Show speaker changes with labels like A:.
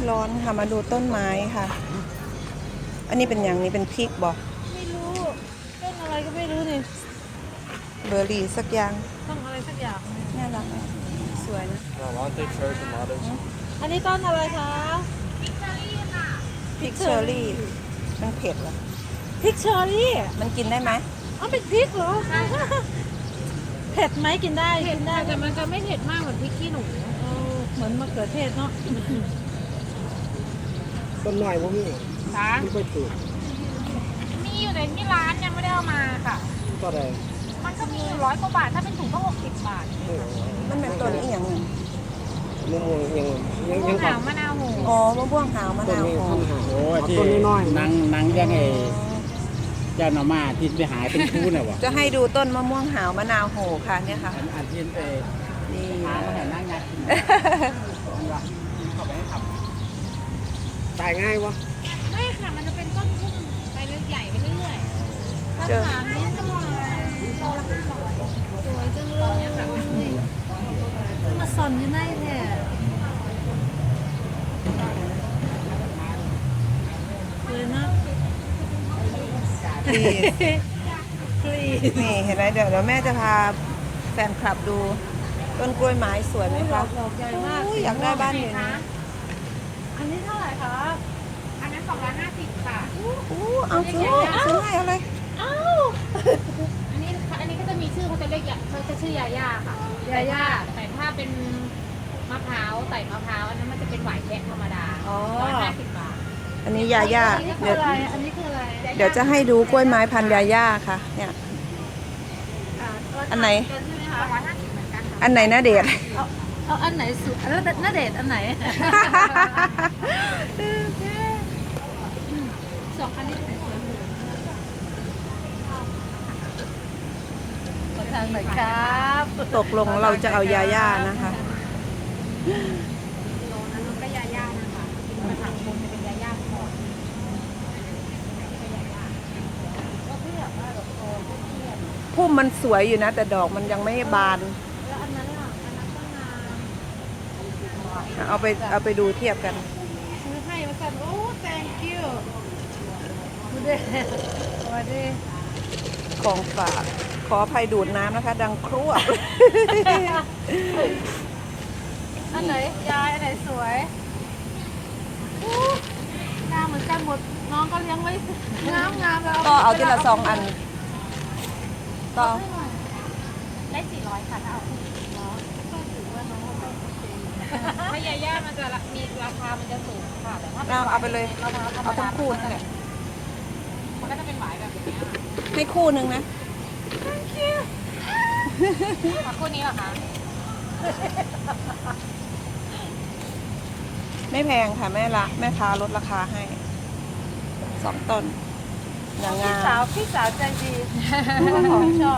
A: ร้อนค่ะมาดูต้นไม้ค่ะ อันนี้เป็นอย่างนี้เป็นพริกบอก
B: ไม่รู้ต้นอะไรก็ไม่รู้นี่
A: เบอร์รี่สักอย่าง
B: ต้องอะไรสักอย่าง
A: น่ารักอ่ะสวยนะ
C: Lavante, cherry, tomatoes.
B: อันนี้ต้นอะไรคะ
A: พริกเชอร์รี่มันเผ็ดเหรอ
B: พริกเชอร์รี่
A: มันกินได้ไหม
B: อ๋อเป็นพริกเหรอเผ็ดไหมกินได้กินได้
D: แต่มันจะไม่เผ็ดมากเหมือนพริกขี้หนู
B: เออเหมือนมะเขือเทศเนาะ
C: ต้นหน่อยพวกนี้
D: ค่ะ
C: ไม่ค่อยถูก
D: มีอยู่ในที่ร้านยังไม่ได้เอามาค่ะ
C: ก็ได้
D: มันก็มีอยู่100 กว่าบาท ถ้าเป็นถุงก็60 บาท
A: มันเป็นตัวนี้อีกอย่างหนึ่ง
C: มะม่วงยัง
D: มะม่วงหาวมะนาวโห
A: อ๋อมะม่วงหาวมะ
C: ต้น
A: นาว
C: นี้
A: โห
C: พันหา
E: โอ้ยที่
C: ต้นน้อยๆ
E: นังยังไงเจ้าหน่อมาที่ไปหาเป็นคู่น่ะวะ
A: จะให้ดูต้นมะม่วงหาวมะนาวโหค่ะเนี่ยค่ะ
E: อันที่ไป
A: นี่
E: หามาให้นั่งยักษ์กินเข้าไปให้ขับ
C: ตายง่ายวะ
D: ไม่ค่ะ มันจะเป็นต้นพุ่มไปเรื่อยใหญ่ไปเรื่อยๆ
A: เจอ
D: ถามนี้ก็มาโตละ200สวยจังเลยอะค่ะ
B: มาสอนยังไงแท้เลยนะ
A: ดี
B: คลี
A: นี่เห็นไหมเดี๋ยวแม่จะพาแฟนคลับดูต้นกล้วยไม้สวยไหม
B: ด
A: คะ
B: อกดอกใหญ่มาก
A: อุ้ยอยากได้บ้านอยู่นะ
B: อันนี้เท่าไหร่คะ
D: อันนั้น250ค่ะ
A: อู้เอาซื้อให้เอาเลย
B: อ้าว
D: อันนี้ก็จะมีชื่อเขาจะเรียกเขาจะชื่อยาย่าค่ะ
B: ยาย่า
D: แต่ถ้าเป็นมะพร้าวใส่มะพร้าวอันนั้นมันจะเป็นหวายแคะธรรมดา
B: อ๋อ
D: 150 บาท
A: อันนี้ยาย่า
B: อันนี้คือ
A: เดี๋ยว
B: อะไรอันนี้คืออะไร
A: เดี๋ยวจะให้ดูกล้วยไม้พันธุ์ยาย่าค่ะ เนี่ย อันไหน
D: 250เหมือนกันค่ะ
A: อันไหนนะเดช
B: เอาอันไหนสุดแล้วน่าเดทอันไหน
D: สองอันนี้
B: ขอทางหน่อยครับ
A: ตกลงเราจะเอายาย่านะคะ
D: โลนั้นมันก็ยาย่านะคะภาษาคนจะเป็นยาย่าก่อนก็เพื่อว่าดอกโตก็เทียบ
A: พุ่มมันสวยอยู่นะ แต่ดอกมันยังไม่บาน
D: แล้วอันนั้นล่ะอันนั้นก็งาม
A: เอาไปดูเทียบกัน
B: ซื้อให้มาสั่นโอ้ thank you ดูดิสวัสดี
A: ของฝากขออภัยดูดน้ำนะคะ ดังครั่ว
B: อันไหนยายอันไหนสวยอู้งามเหมือนกันหมดน้องก็เลี้ยงไว้งามงามแล้ว
A: ก็เอาทีละ2 อันก็
D: ได้400ค่ะถ้าเอาคู่ถ้ายาย่ามันจะมีราคามันจะสูงค่ะแต่ถ้า
A: เอาไปเลย
D: มะพร้าวธรรม
A: เอา
D: ดา
A: ทั้งคู่นั่นแหละ
D: มันก็จะเป็นหวายแบบนี้
A: ให้คู่หนึ่งนะ
D: ค่ะคู่นี้เหรอคะ
A: ไม่แพงค่ะแม่ค้าลดราคาให้2 ต้นอย่างงาม
B: พี่สาวใจดีของชอบ